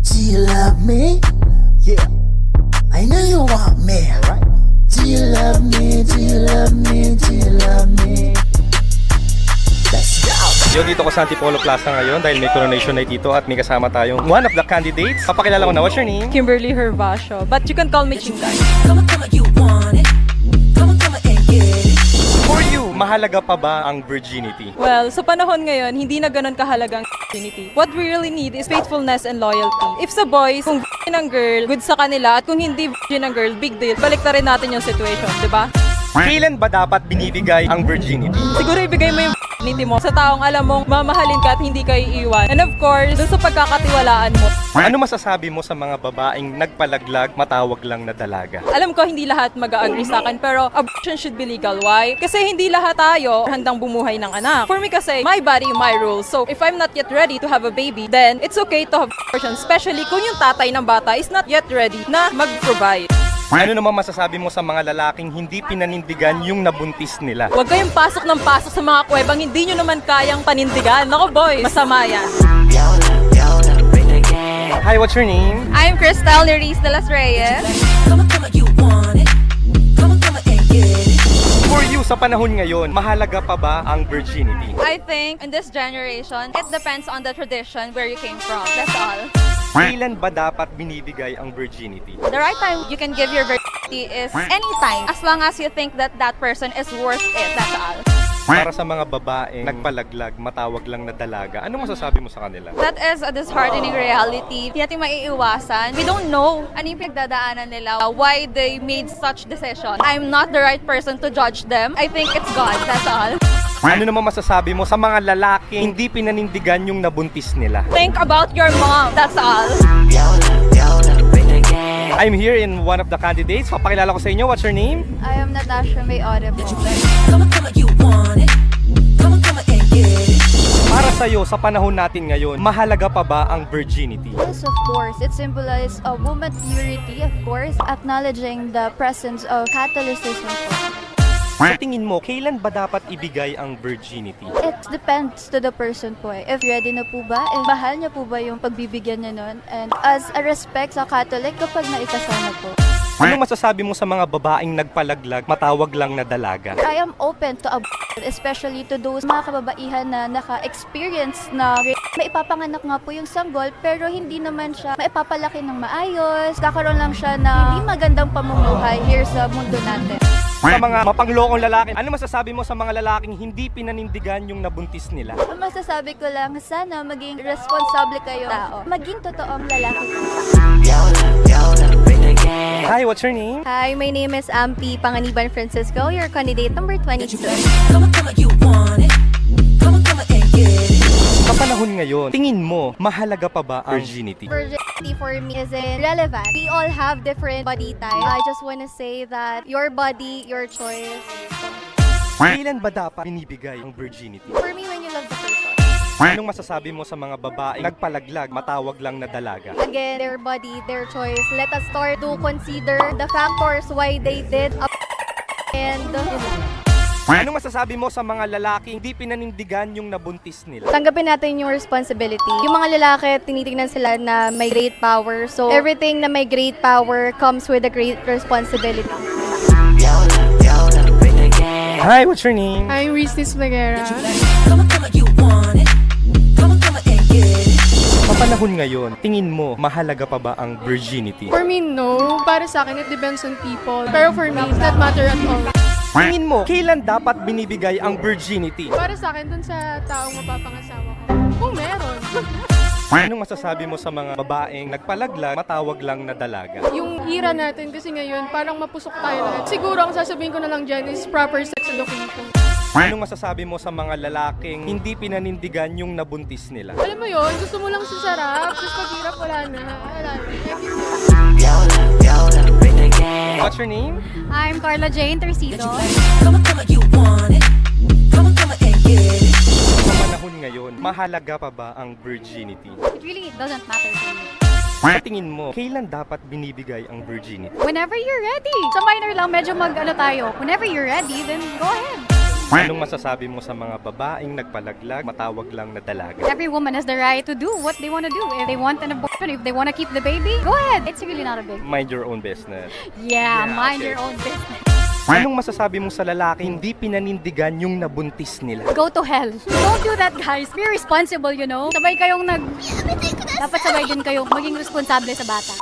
Do you love me? Yeah, I know you want me, right? Do you love me? Do you love me? Do you love me? Let's go! Yo, dito ko sa Antipolo Plaza ngayon dahil may coronation night dito at may kasama tayong one of the candidates. Papakilala ko na, what's your name? Kimberly Hervasio, but you can call me Chinday. For you, mahalaga pa ba ang virginity? Well, sa panahon ngayon, hindi na ganun kahalagang virginity. What we really need is faithfulness and loyalty. If sa boys, kung virgin ang girl, good sa kanila, at kung hindi virgin ang girl, big deal. Balik na rin natin yung situation, di ba? Kailan ba dapat binibigay ang virginity? Siguro ibigay mo yung virginity mo sa taong alam mong mamahalin ka at hindi ka iiwan. And of course, dun sa pagkakatiwalaan mo. Ano masasabi mo sa mga babaeng nagpalaglag, matawag lang na dalaga? Alam ko hindi lahat mag-agree sa akin, pero abortion should be legal. Why? Kasi hindi lahat tayo handang bumuhay ng anak. For me kasi, my body, my rules. So, if I'm not yet ready to have a baby, then it's okay to have abortion. Especially kung yung tatay ng bata is not yet ready na mag-provide. Ano naman masasabi mo sa mga lalaking hindi pinanindigan yung nabuntis nila? Huwag kayong pasok ng pasok sa mga kuwebang hindi nyo naman kayang panindigan. Nako boys, masama yan. Hi, what's your name? I'm Cristal Neris de las Reyes. For you, sa panahon ngayon, mahalaga pa ba ang virginity? I think in this generation, it depends on the tradition where you came from. That's all. Kailan ba dapat binibigay ang virginity? The right time you can give your virginity is anytime, as long as you think that that person is worth it. That's all. Para sa mga babaeng nagpalaglag, matawag lang na dalaga, ano masasabi mo sa kanila? That is a disheartening reality. Hindi natin maiiwasan. We don't know ano yung pinagdadaanan nila, why they made such decision. I'm not the right person to judge them. I think it's God. That's all. Ano naman masasabi mo sa mga lalaking hindi pinanindigan yung nabuntis nila? Think about your mom. That's all. I'm here in one of the candidates. Papakilala ko sa inyo. What's your name? I am Natasha May Audible. Para sa'yo, sa panahon natin ngayon, mahalaga pa ba ang virginity? Yes, of course. It symbolizes a woman purity, of course, acknowledging the presence of Catholicism. Sa tingin mo, kailan ba dapat ibigay ang virginity? It depends to the person po eh. If ready na po ba, mahal niya po ba yung pagbibigyan niya nun? And as a respect sa Catholic, kapag naikasal na po. Anong masasabi mo sa mga babaeng nagpalaglag, matawag lang na dalaga? I am open to abortion, especially to those mga kababaihan na naka-experience na rape. Maipapanganak nga po yung sanggol, pero hindi naman siya maipapalaki ng maayos. Kakaroon lang siya na hindi magandang pamumuhay here sa mundo natin. Sa mga mapanglokong lalaki, ano masasabi mo sa mga lalaking hindi pinanindigan yung nabuntis nila? Ang masasabi ko lang, sana maging responsable kayo tao. Maging totoong lalaki. Hi, what's your name? Hi, my name is Ampi Panganiban Francisco, your candidate number 22. Sa panahon ngayon, tingin mo, mahalaga pa ba ang virginity? Virginity for me is irrelevant. We all have different body types. I just want to say that your body, your choice. Kailan ba dapat binibigay ang virginity? For me, when you love the person. Anong masasabi mo sa mga babaeng nagpalaglag, matawag lang na dalaga? Again, their body, their choice. Let us start to consider the factors why they did and Anong masasabi mo sa mga lalaking hindi pinanindigan yung nabuntis nila? tanggapin natin yung responsibility. Yung mga lalaki, tinitingnan sila na may great power. So, everything na may great power comes with a great responsibility. Hi, what's your name? I'm Ristis Magera. Sa panahon ngayon, tingin mo, mahalaga pa ba ang virginity? For me, no. Para sa akin, it depends on people. Pero for me, it's not matter at all. Tingin mo, kailan dapat binibigay ang virginity? Para sa akin, dun sa taong mapapangasawa ko. Kung meron. Anong masasabi mo sa mga babaeng nagpalaglag, matawag lang na dalaga? Yung era natin kasi ngayon, parang mapusok tayo lahat. Siguro, ang sasabihin ko na lang dyan is proper sex education. Anong masasabi mo sa mga lalaking hindi pinanindigan yung nabuntis nila? Alam mo yun, gusto mo lang sasarap, tapos paghirap wala na. Wala na. What's your name? I'm Carla Jane Tercido. Sa panahon ngayon, mahalaga pa ba ang virginity? It really doesn't matter to me. Sa tingin mo, kailan dapat binibigay ang virginity? Whenever you're ready. Sa minor lang, medyo tayo. Whenever you're ready, then go ahead. Anong masasabi mo sa mga babaeng nagpalaglag, matawag lang na dalaga? Every woman has the right to do what they want to do. If they want an abortion, if they want to keep the baby, go ahead. It's really not a big. Mind your own business. Yeah, mind okay. your own business. Anong masasabi mo sa lalaki hindi pinanindigan yung nabuntis nila? Go to hell. Don't do that, guys. Be responsible, you know. Sabay kayong dapat sabay din kayong maging responsable sa bata.